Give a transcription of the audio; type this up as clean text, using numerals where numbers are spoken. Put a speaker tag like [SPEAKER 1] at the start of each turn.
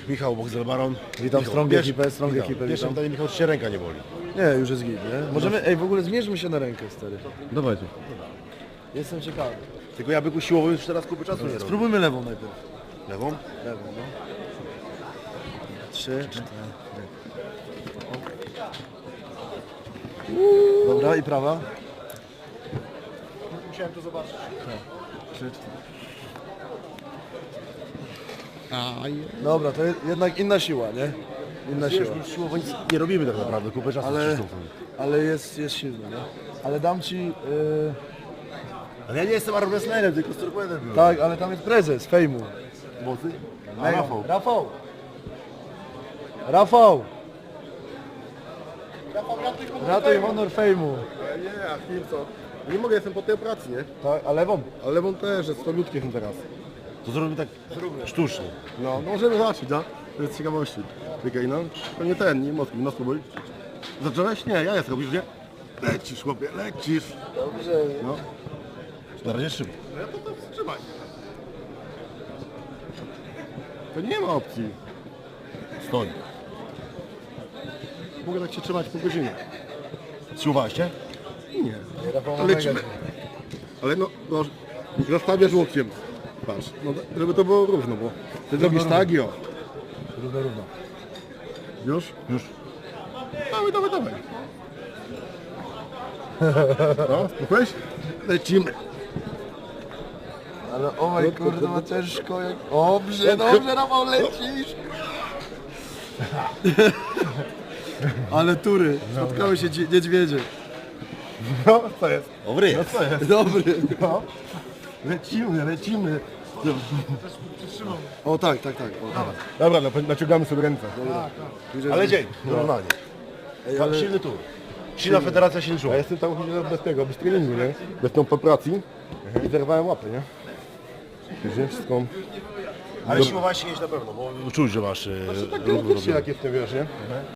[SPEAKER 1] Michał Boxel-Baron.
[SPEAKER 2] Witam strong ekipę,
[SPEAKER 1] Pierwsze
[SPEAKER 2] witam.
[SPEAKER 1] pytanie, Michał, czy cię ręka nie boli?
[SPEAKER 2] Nie, już jest git, nie? Możemy, ej, w ogóle zmierzmy się na rękę, stary.
[SPEAKER 1] Dawajcie.
[SPEAKER 2] Jestem ciekawy.
[SPEAKER 1] Tylko ja byku siłowo już teraz kupy czasu nie robię.
[SPEAKER 2] Spróbujmy lewą najpierw.
[SPEAKER 1] Lewą?
[SPEAKER 2] Lewą, no. 3, 4. Dobra, i prawa.
[SPEAKER 1] Musiałem to zobaczyć.
[SPEAKER 2] 3, 4. Dobra, to jednak inna siła, nie? Inna
[SPEAKER 1] Wiesz,
[SPEAKER 2] siła.
[SPEAKER 1] już siłowo nic nie robimy tak naprawdę, kupę czasu
[SPEAKER 2] Ale jest silny, nie? Ale dam ci...
[SPEAKER 1] Ale ja nie jestem armwrestlerem, tylko sturboidem byłem.
[SPEAKER 2] tak, ale tam jest prezes fejmu.
[SPEAKER 1] Mocy? A Rafał.
[SPEAKER 2] Rafał! Rafał! Ratuj honor fejmu.
[SPEAKER 1] Nie, a chwil co? Nie mogę, jestem po tej pracy, nie?
[SPEAKER 2] Tak, a lewą?
[SPEAKER 1] Ale lewą też, jest 100 ludzkich teraz. To zrobimy tak sztucznie. No możemy zacząć, no. To jest z ciekawości. Czekaj, no. To nie ten, nie mocno, no spróbuj. Zacząłeś? Nie, ja jest, robisz, nie? Lecisz, chłopie, lecisz.
[SPEAKER 2] Dobrze.
[SPEAKER 1] No. Na razie szybko. No ja to wstrzymaj. To nie ma opcji. Stoi. Mogę tak się trzymać po godzinie. Siłowałeś się? Nie.
[SPEAKER 2] Rafał ma
[SPEAKER 1] Lecimy.
[SPEAKER 2] mega.
[SPEAKER 1] Ale no, zastawiasz łokciem. Patrz, no, żeby to było równo, bo ty zrobisz tak i o.
[SPEAKER 2] Równo, równo.
[SPEAKER 1] Już? Już. Dawaj, dawaj, dawaj. No, spokojnie? Lecimy.
[SPEAKER 2] Ale o moj kurde, ma ciężko jak... Dobrze, dobrze, Rafał, lecisz! Ale tury, spotkały się niedźwiedzie.
[SPEAKER 1] No, co jest? Dobry jest.
[SPEAKER 2] Co jest? Dobry.
[SPEAKER 1] No. Lecimy, lecimy.
[SPEAKER 2] O tak, tak, tak. O, tak.
[SPEAKER 1] Dobra, naciągamy sobie ręce. Ale dzień, normalnie.
[SPEAKER 2] Ej, ale...
[SPEAKER 1] Silny tur. Silna federacja silniejsza. Ja jestem tam bez tego, bez treningu, nie? Bez tą popracji. I zerwałem łapy, nie? Wiesz, wszystko...
[SPEAKER 3] Ale siłowałeś się jeść na pewno, bo czuć, że masz
[SPEAKER 1] Tak, jak jestem, wiesz, nie?